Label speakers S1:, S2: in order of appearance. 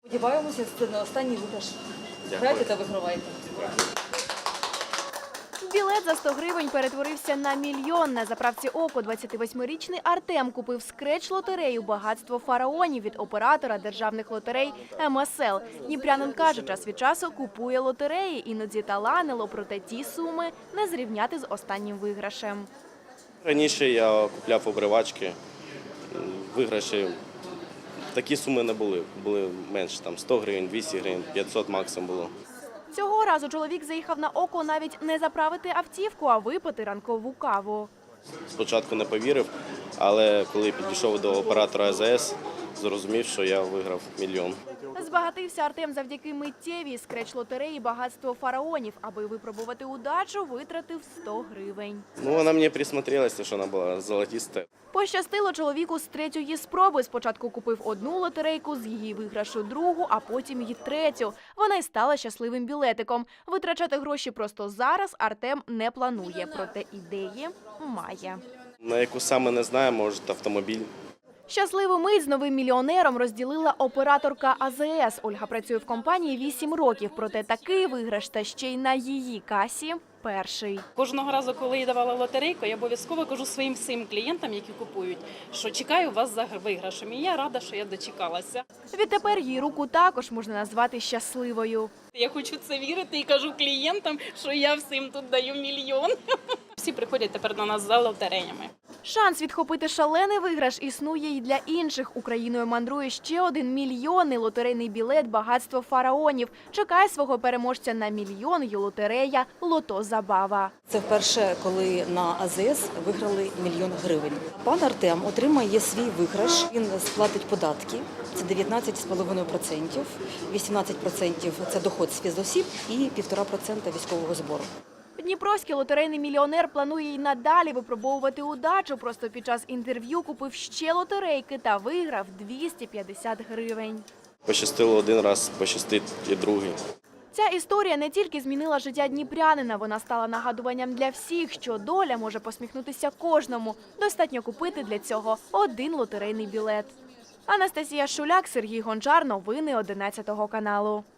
S1: Сподіваємося, це не останній виграш. Грайте та вигравайте.
S2: Білет за 100 гривень перетворився на мільйон. На заправці «Око» 28-річний Артем купив скреч-лотерею «Багатство фараонів» від оператора державних лотерей МСЛ. Дніпрянин каже, час від часу купує лотереї, іноді таланило, проте ті суми не зрівняти з останнім виграшем.
S3: Раніше я купляв обривачки, виграші. Такі суми не були, були менше, там 100 гривень, 200 гривень, 500 максимум було.
S2: Цього разу чоловік заїхав на «Око» навіть не заправити автівку, а випити ранкову каву.
S3: Спочатку не повірив, але коли підійшов до оператора АЗС, зрозумів, що я виграв мільйон.
S2: Збагатився Артем завдяки миттєвій скреч-лотереї «Багатство фараонів». Аби випробувати удачу, витратив 100 гривень.
S3: Вона мені присмотрелася, що вона була золотиста.
S2: Пощастило чоловіку з третьої спроби. Спочатку купив одну лотерейку, з її виграшу другу, а потім і третю. Вона й стала щасливим білетиком. Витрачати гроші просто зараз Артем не планує, проте ідеї має.
S3: На яку саме не знаю, може автомобіль.
S2: Щасливу мить з новим мільйонером розділила операторка АЗС. Ольга працює в компанії 8 років, проте такий виграш та ще й на її касі – перший.
S4: Кожного разу, коли я давала лотерейку, я обов'язково кажу своїм всім клієнтам, які купують, що чекаю вас за виграшем. І я рада, що я дочекалася.
S2: Відтепер її руку також можна назвати щасливою.
S4: Я хочу це вірити і кажу клієнтам, що я всім тут даю мільйон. Всі приходять тепер до нас за лотереями.
S2: Шанс відхопити шалений виграш існує і для інших. Україною мандрує ще один мільйонний лотерейний білет «Багатство фараонів». Чекає свого переможця на мільйон й лотерея «Лото Забава».
S1: Це вперше, коли на АЗС виграли мільйон гривень. Пан Артем отримає свій виграш, він сплатить податки, це 19,5%, 18% – це доход з фізосіб і 1,5% військового збору.
S2: Дніпровський лотерейний мільйонер планує й надалі випробовувати удачу. Просто під час інтерв'ю купив ще лотерейки та виграв 250 гривень.
S3: Пощастило один раз, пощастить і другий.
S2: Ця історія не тільки змінила життя дніпрянина, вона стала нагадуванням для всіх, що доля може посміхнутися кожному. Достатньо купити для цього один лотерейний білет. Анастасія Шуляк, Сергій Гончар. Новини 11 каналу.